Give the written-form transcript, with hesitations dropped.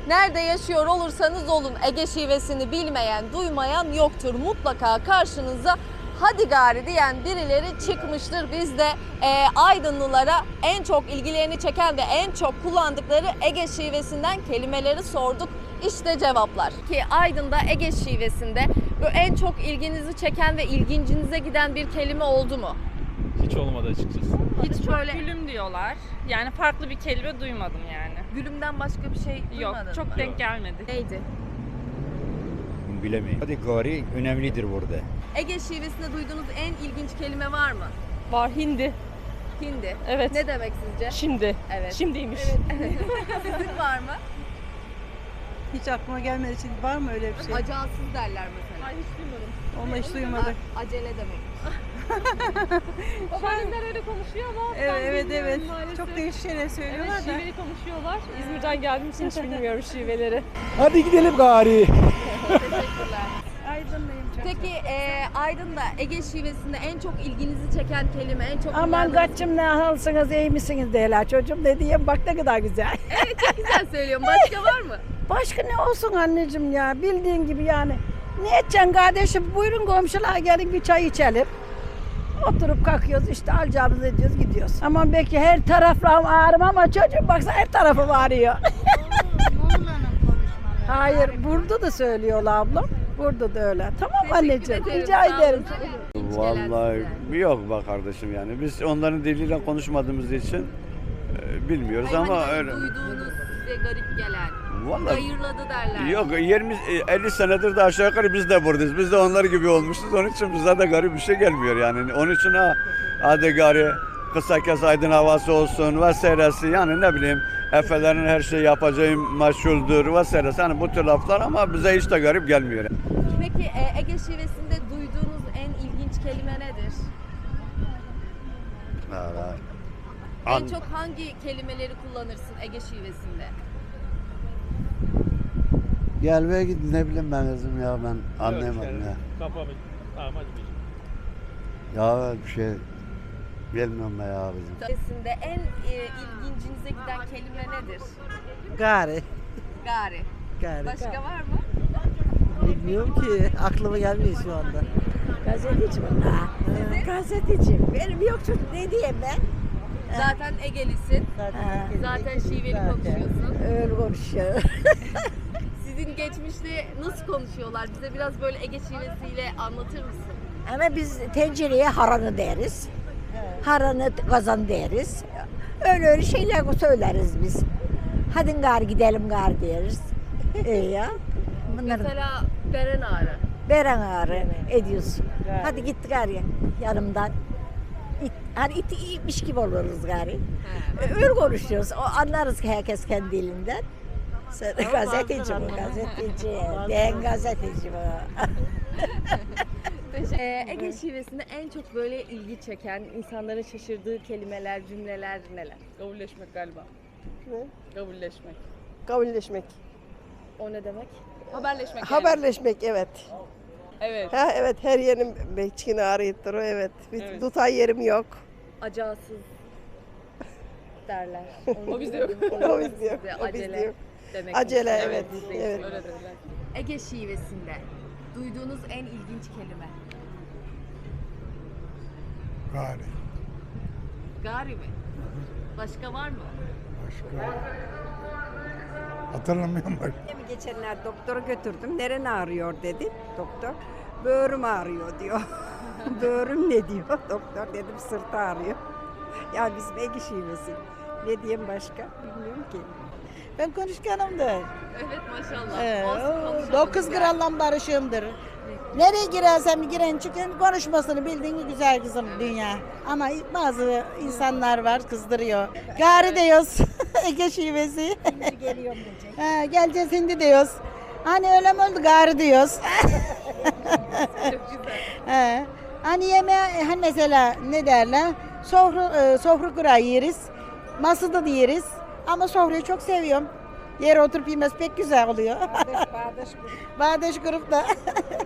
Nerede yaşıyor olursanız olun Ege şivesini bilmeyen, duymayan yoktur. Mutlaka karşınıza hadi gari diyen birileri çıkmıştır. Biz de Aydınlılara en çok ilgilerini çeken ve en çok kullandıkları Ege şivesinden kelimeleri sorduk. İşte cevaplar. Ki Aydın'da Ege şivesinde en çok ilginizi çeken ve ilgincinize giden bir kelime oldu mu? Hiç olmadı açıkçası. Hiç Çok böyle gülüm diyorlar. Yani farklı bir kelime duymadım yani. gülümden başka bir şey Yok, duymadın çok mı? denk gelmedi. Neydi? Bilemeyiz. Hadi gari önemlidir burada. Ege şivesinde duyduğunuz en ilginç kelime var mı? Var hindi. Hindi. Evet. Ne demek sizce? Şimdi. Evet. Şimdiymiş. Sizin var mı? Hiç aklıma gelmedi. Şimdi var mı öyle bir şey? Acalsız derler mesela. Ay hiç duymadım. Onu hiç duymadık. Acele demek. Babaannemler öyle konuşuyor ama ben Evet bilmiyorum evet. maalesef. Çok değişik şeyler söylüyorlar Evet, da. şiveli konuşuyorlar. İzmir'den geldiğim için hiç bilmiyorum şiveleri. Hadi gidelim gari. Teşekkürler. Aydınlıyım çok. Peki Aydın'da Ege şivesinde en çok ilginizi çeken kelime, en çok Aman kullandığınız- kaçım ne halsınız iyi misiniz diyorlar çocuğum ne diyeyim bak ne kadar güzel. Evet, çok güzel söylüyorum. Başka var mı? Başka ne olsun anneciğim ya bildiğin gibi yani. Ne edeceksin kardeşim buyurun komşular gelin bir çay içelim. Oturup kalkıyoruz işte alacağımızı ediyoruz gidiyoruz. Aman belki her tarafım ağrım ama çocuğum baksana her tarafım ağrıyor. Hayır burada da söylüyorlar ablam. Burada da öyle. Tamam Teşekkür anneciğim ederim, rica sağ olun. ederim. İlginç gelen Vallahi size. yok be kardeşim yani. Biz onların diliyle konuşmadığımız için bilmiyoruz Hayır, ama hani öyle. duyduğunuz size garip gelen, Vallahi hayırladı derler. yok 50 senedir de aşağı yukarı biz de buradayız. Biz de onlar gibi olmuşuz. Onun için bize de garip bir şey gelmiyor yani. Onun için hadi gari kısa kes aydın havası olsun vesairesi yani ne bileyim Efelerin her şeyi yapacağım meşhuldür vesairesi. Hani bu tür laflar ama bize hiç de garip gelmiyor. Peki Ege şivesinde duyduğunuz en ilginç kelime nedir? En çok hangi kelimeleri kullanırsın Ege şivesinde? Gelmeye git ne bileyim ben kızım ya ben anlayamadım ya. Kafamı tamam hadi bir. Ya bir şey bilmiyorum ben ya kızım. Şivesinde en ilgincinize giden kelime nedir? Gari. Gari. Gari. Başka var mı? Bilmiyorum ki. Aklıma gelmiyor şu anda. Gazeteci bunlar. Gazeteci. Benim yok çocuk ne diyeyim ben? Zaten Egelisin. Zaten şiveli konuşuyorsun. Öyle konuşuyor. Sizin geçmişte nasıl konuşuyorlar? Bize biraz böyle Ege şivesiyle anlatır mısın? Ama biz tencereye haranı deriz. Haranı kazan deriz. Öyle şeyler söyleriz biz. Hadi gar gidelim gar deriz. İyi ya. Bunların Mesela Beren Ağrı. beren ağrı ediyorsun. Hadi git gari yanımdan. Hani iti iyiymiş gibi oluruz gari. Öyle konuşuyoruz. O anlarız ki herkes kendi dilinden. Sen gazeteci bu, gazeteci. Ben gazeteci bu. Ege şivesinde en çok böyle ilgi çeken, insanların şaşırdığı kelimeler, cümleler neler? Kabulleşmek galiba. Ne? Kabulleşmek. Kabulleşmek. O ne demek? Haberleşmek yani. Haberleşmek evet. Evet. Ha evet her yerim bekçini arayıp duruyor evet. Evet. Tutan yerim yok. Acalsız derler. O bizde yok. O bizde yok. Size O bizde acele yok. demek. Acele evet. bizde Evet. Öyle dediler. Ege şivesinde duyduğunuz en ilginç kelime. Gari. Gari mi? Başka var mı? Başka. Hatırlamıyorum bak. Geçenler doktora götürdüm. Neren ağrıyor dedi doktor. Böğrüm ağrıyor diyor. Böğrüm ne diyor doktor dedim sırtı ağrıyor. Ya bizim Ege şivesi. Ne diyeyim başka bilmiyorum ki. Ben konuşkanımdır. Evet maşallah. Olsun, konuşalım 9 gel. gramla barışığımdır. Nereye girersem giren çıkın konuşmasını bildiğin gibi güzel kızım dünya. Ama bazı insanlar var kızdırıyor. Gari diyoruz Ege şivesi. Şimdi geliyorum diyecek. Ha, geleceğiz hindi diyoruz. Hani öyle mi oldu gari diyoruz. Çok güzel. Ha, hani yemeğe hani mesela ne derler? Sofra kurağı yeriz. Masada da yeriz. Ama sofrayı çok seviyorum. Yere oturup yemesi pek güzel oluyor. Bağdaş Bağdaş grupta.